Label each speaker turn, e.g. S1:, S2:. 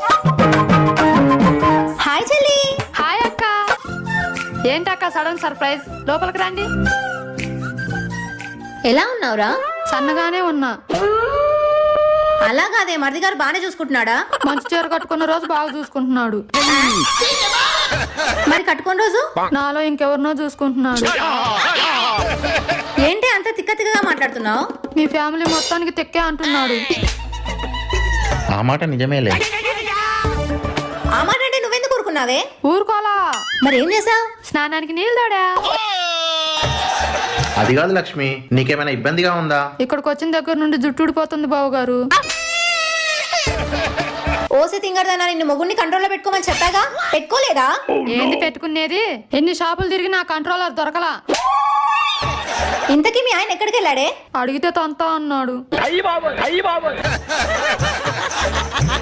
S1: Hi చెల్లి.
S2: Hi అక్క. ఏంటక్క సడన్ సర్ప్రైజ్? లోపలికి రండి.
S1: ఎలా ఉన్నావురా?
S2: సన్నగానే ఉన్నా.
S1: అలా కాదే, మరిది గారు బానే చూసుకుంటున్నాడా?
S2: మంచి చీర కట్టుకున్న రోజు బాగా చూసుకుంటున్నాడు,
S1: మరి కట్టుకున్న రోజు
S2: నాలో ఇంకెవరినో చూసుకుంటున్నాడు.
S1: ఏంటి అంత తిక్క తిక్కగా మాట్లాడుతున్నావు?
S2: మీ ఫ్యామిలీ మొత్తానికి తెక్కే అంటున్నాడు.
S3: ఆ మాట నిజమేలే.
S1: ఆ మాట అంటే నువ్వెందుకు ఊరుకున్నావే?
S2: ఊరుకోలా.
S1: మరి ఏం చేసావు?
S2: స్నానానికి నీళ్ళు తోడా.
S3: అది కాదు లక్ష్మి, నీకేమైనా ఇబ్బందిగా ఉందా?
S2: ఇక్కడికి వచ్చిన దగ్గర నుండి జుట్టు ఊడిపోతుంది బావు గారు.
S1: ఓసి తింగరదన్నా, నిన్ను మొగుడిని కంట్రోల్లో పెట్టుకోమని చెప్పాగా, పెట్టుకోలేదా?
S2: ఏంది పెట్టుకునేది? ఎన్ని షాపులు తిరిగి నా కంట్రోలర్ దొరకలా.
S1: ఇంతకీ మీ ఆయన ఎక్కడికి వెళ్ళాడే?
S2: అడిగితే తంతా అన్నాడు.